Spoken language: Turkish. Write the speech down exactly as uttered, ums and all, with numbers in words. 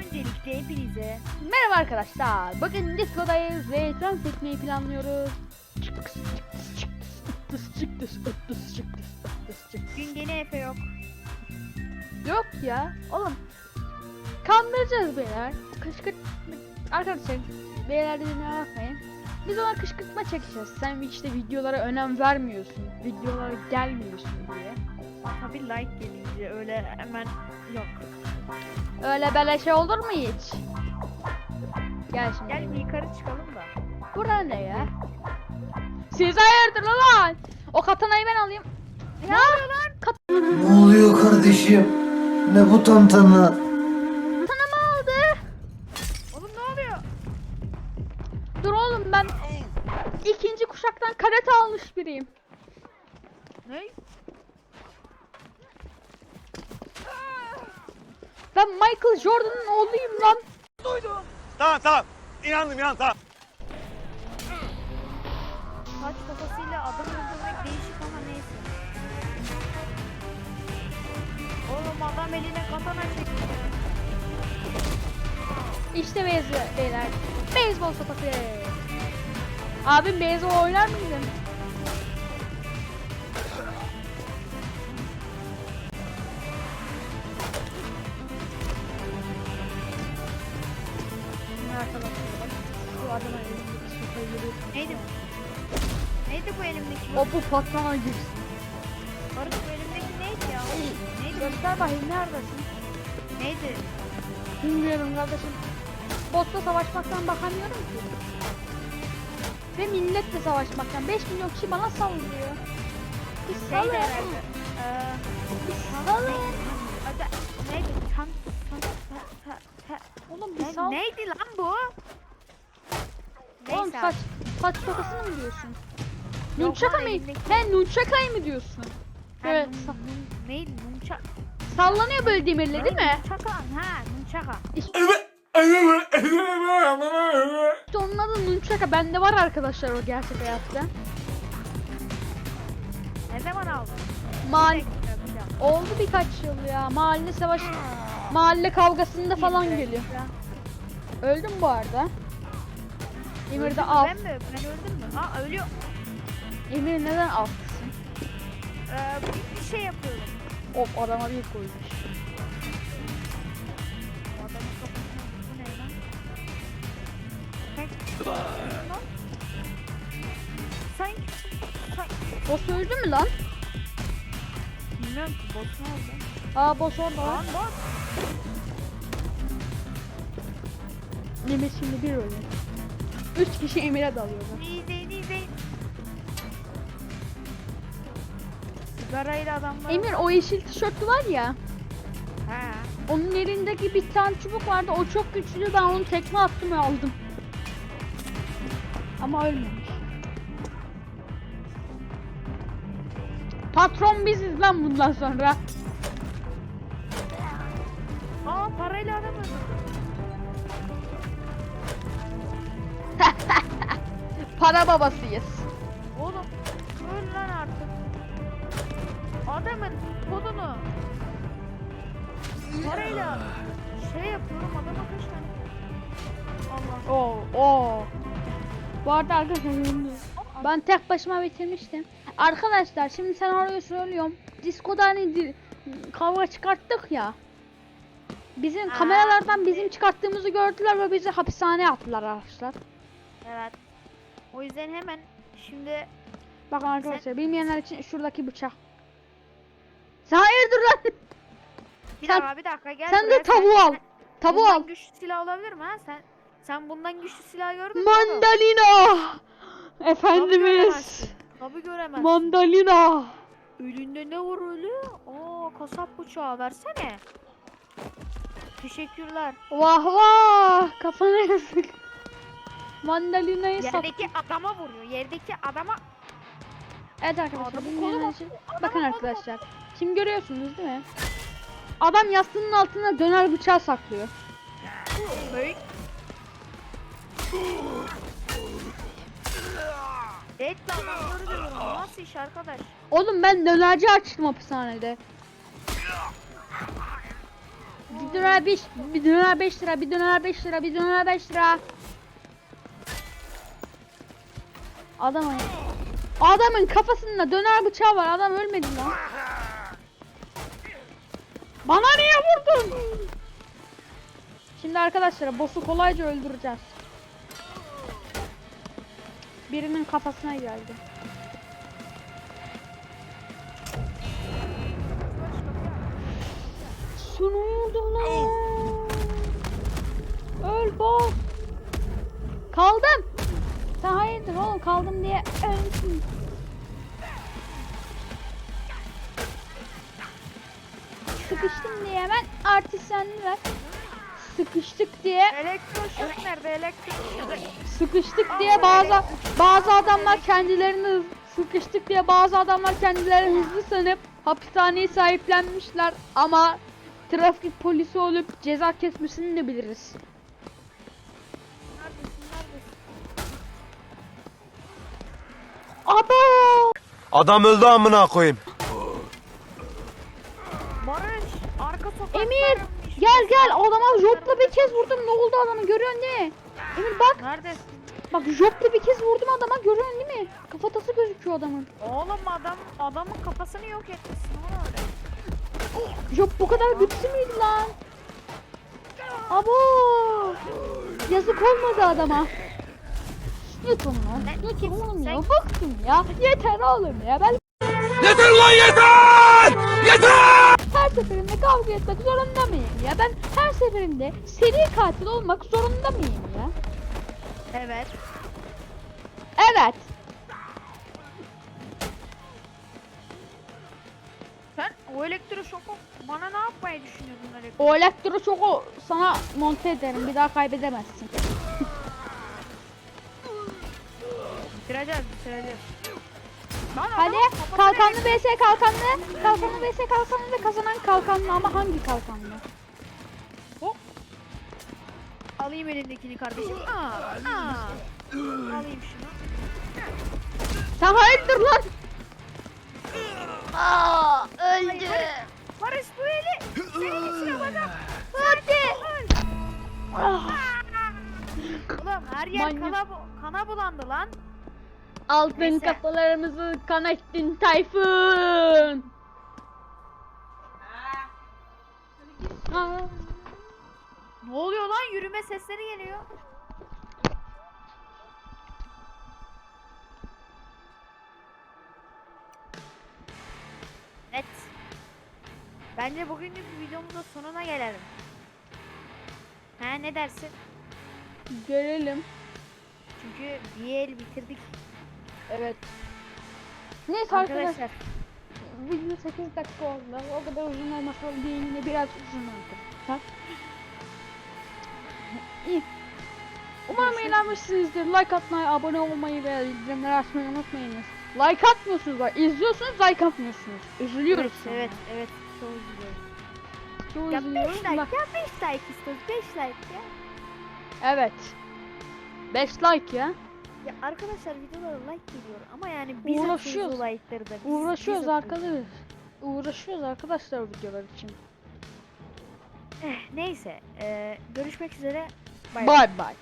öncelikle hepinize merhaba arkadaşlar. Bugün Disco'dayız ve trans etmeyi planlıyoruz. gün gene Efe yok. Yok ya oğlum. Kandıracağız beyler. Kışkırt arkadaşlar, beyler dediğime bakmayın. Biz ona kışkırtma çekeceğiz. Sen işte videolara önem vermiyorsun. Videolara gelmiyorsun diye. Tabi like gelince öyle hemen yok. Öyle böyle şey olur mu hiç? Gel şimdi. Gel bir yukarı çıkalım da. Bura ne ya? Siz hayırdır lan? O katanayı ben alayım. Ne oluyor lan? Kat Ne oluyor kardeşim? Ne bu tantana? katanamı aldı. Oğlum ne oluyor? Dur oğlum, ben ikinci kuşaktan karate almış biriyim. Ne? Ben Michael Jordan'ın oğluyum lan. Tamam tamam. İnandım inandım tamam. Saç kafasıyla adam öldürmek değişik ama neyse. Oğlum adam eline katana çekiyor. İşte beyzbol beyler. Beyzbol sopası. Abim beyzbol oynar mıydın? Şimdi arkadaşlar bak, şu adama elimdeki sopayı görüyorsun. Neydi bu? Neydi bu elimdeki? O bu patrona girsin. Barış bu elimdeki neydi ya? Neydi bu? Göster bakayım, neredesin? Neydi? Bilmiyorum kardeşim. Botla savaşmaktan bakamıyorum ki. Ve milletle savaşmaktan. beş milyon kişi bana saldırıyor. Bir Neydi salın. herhalde? Eee... Bir salın. Hadi neydi? Tan tan ta ta ta. Oğlum bir Ne- sal. Neydi lan bu? Oğlum Neyse saç, abi. saç tokasını mı diyorsun? Yok Nunchaka lan, mı? elimdeki- He, nunchaka'yı mı diyorsun? Ha, Evet. nun- sa- nun- Neydi? Nunçak. sallanıyor böyle demirle değil mi? Nunçaka. Ha, nunçaka. İşte onun adı nunchaka. Bende var arkadaşlar o gerçek hayatta. Ne zaman aldın? Mal Bir dakika, bir dakika. oldu birkaç yıl ya. Mahalle savaş, mahalle kavgasında falan Bir dakika. geliyor. Öldüm bu arada. Emir Öldün de mü? al. Ben mi? Ben öldüm mü? Aa ölüyor. Emir neden altsın? Ee, bir- bir şey yapıyorum. Of, adama bir koymuş. O adamın kafasına bu ne lan? Tek- Lan. Sanki sanki Boss öldü mü lan? bilmiyorum ki boss ne oldu? Aa, boss orada lan. Lan boss. Emir şimdi bir ölüyor. Üç kişi Emir'e dalıyorlar. İzleyin izleyin. Sigarayla adamlar. Emir, o yeşil tişörtlü var ya. He. Onun elindeki bir tane çubuk vardı. O çok güçlü. Ben onu tekme attım ve aldım. Ama ölmemiş. Patron biziz lan bundan sonra. Aa parayla adam öldürdü. Para babasıyız. Oğlum öl lan artık. Adamın kodunu parayla şey yapıyorum adama kaç tane. Allah. Oo, oo. Bu arada arkadaşlar, ben tek başıma bitirmiştim. Arkadaşlar şimdi sen oraya söylüyorum. Disco'da hani di- kavga çıkarttık ya. Bizim Aa. kameralardan bizim çıkarttığımızı gördüler ve bizi hapishaneye attılar arkadaşlar. Evet. O yüzden hemen şimdi Bakın arkadaşlar, bilmeyenler için şuradaki bıçak. Sen hayırdır lan? bir Sen- dakika bir dakika gel Sen buraya. de tavuğu al. sen- Tavuğu bundan al. güçlü silah olabilir mi ha? Sen sen bundan güçlü silah gördün mü? oğlum? Mandalina. Tabii Efendimiz. göremezsin. Tabii göremezsin. Mandalina. Elinde ne var öyle? Aa kasap bıçağı versene. Teşekkürler. Vah vah. Kafana yazık. Mandalina'yı sat. Yerdeki adama vuruyor. Yerdeki adama. Evet arkadaşlar, Adamın bilmeyenler kolu için. bak- Bakın adamın kolu arkadaşlar. Şimdi görüyorsunuz değil mi? Adam yastığının altına döner bıçağı saklıyor. Hey. Evet adamları dövüyorum. Nasıl iş arkadaş? Oğlum ben dönerci açtım hapishanede. Bir döner beş, bir döner beş lira, bir döner beş lira, bir döner beş lira. Adamın Adamın kafasında döner bıçağı var. Adam ölmedi lan. Bana niye vurdun? Şimdi arkadaşlar boss'u kolayca öldüreceğiz. Birinin kafasına geldi. Sunuldu lan. Öl boss. Kaldım. Sen hayırdır oğlum, kaldım diye ölmüşsün. Sıkıştım diye hemen artistlendiler. Sıkıştık diye Elektroşok nerede? Elektroşok. sıkıştık diye bazı bazı adamlar kendilerini hız- sıkıştık diye bazı adamlar kendilerini hızlı sanıp hapishaneyi sahiplenmişler ama trafik polisi olup ceza kesmesini de biliriz. Neredesin? Neredesin? Aba! Adam öldü amına koyayım. Barış. Arka sokakta. Emir gel gel, adama jopla bir kez vurdum, ne oldu adamı görüyorsun değil mi? Emir bak Neredesin? bak, jopla bir kez vurdum adama, görüyorsun değil mi? Kafatası gözüküyor adamın. Oğlum adam adamın kafasını yok etmişsin ona öyle. Jop bu kadar güçlü müydü lan? Abo! Yazık olmadı adama. Yeter lan. Yeter oğlum ya. Bıktım ya. Yeter oğlum ya. Ben Yeter lan yeter! Yeter! her seferinde kavga etmek zorunda mıyım ya? Ben her seferinde seri katil olmak zorunda mıyım ya? Evet. Evet. Sen o elektroşoku bana ne yapmayı düşünüyordun elektro? O elektroşoku sana monte ederim. Bir daha kaybedemezsin. Bitireceğiz bitireceğiz. Lan Hadi adamın kafasına kalkanlı vs kalkanlı. Kalkanlı vs kalkanlı ve kazanan kalkanlı, ama hangi kalkanlı? Hop. Alayım elindekini kardeşim. Aa, aa. Alayım şunu. Sen hayırdır lan? Aa, öldü. Barış bu eli. Senin içine bana. Hadi. Ah, Ulan her yer Manyak. kana, bu- kana bulandı lan. altın Neyse. kafalarımızı kan ettin Tayfun. Aa, Ne oluyor lan? Yürüme sesleri geliyor. Evet. Bence bugünlük videomuzun sonuna gelelim. Ha ne dersin? görelim. Çünkü bir el bitirdik Evet. Neyse arkadaşlar. arkadaşlar. Video sekiz dakika oldu. O kadar uzun olmasa değil, yine biraz uzun oldu. Ha? İyi. Umarım Görüşürüz. eğlenmişsinizdir. Like atmayı, abone olmayı ve bildirimleri açmayı unutmayınız. Like atmıyorsunuz bak. İzliyorsunuz, like atmıyorsunuz. Üzülüyoruz. Evet, sonra. evet, evet. Çok üzülüyoruz. Çok Ya üzülüyoruz. beş like, Bak- ya beş like istiyoruz. beş like ya. Evet. beş like ya. Ya arkadaşlar videolara like geliyor ama yani biz Uğraşıyoruz. atıyoruz o like'ları da. Biz, Uğraşıyoruz biz atıyoruz. arkadaşlar. Uğraşıyoruz arkadaşlar videolar için. Eh, neyse. eee, görüşmek üzere. Bay bay. Bye bye.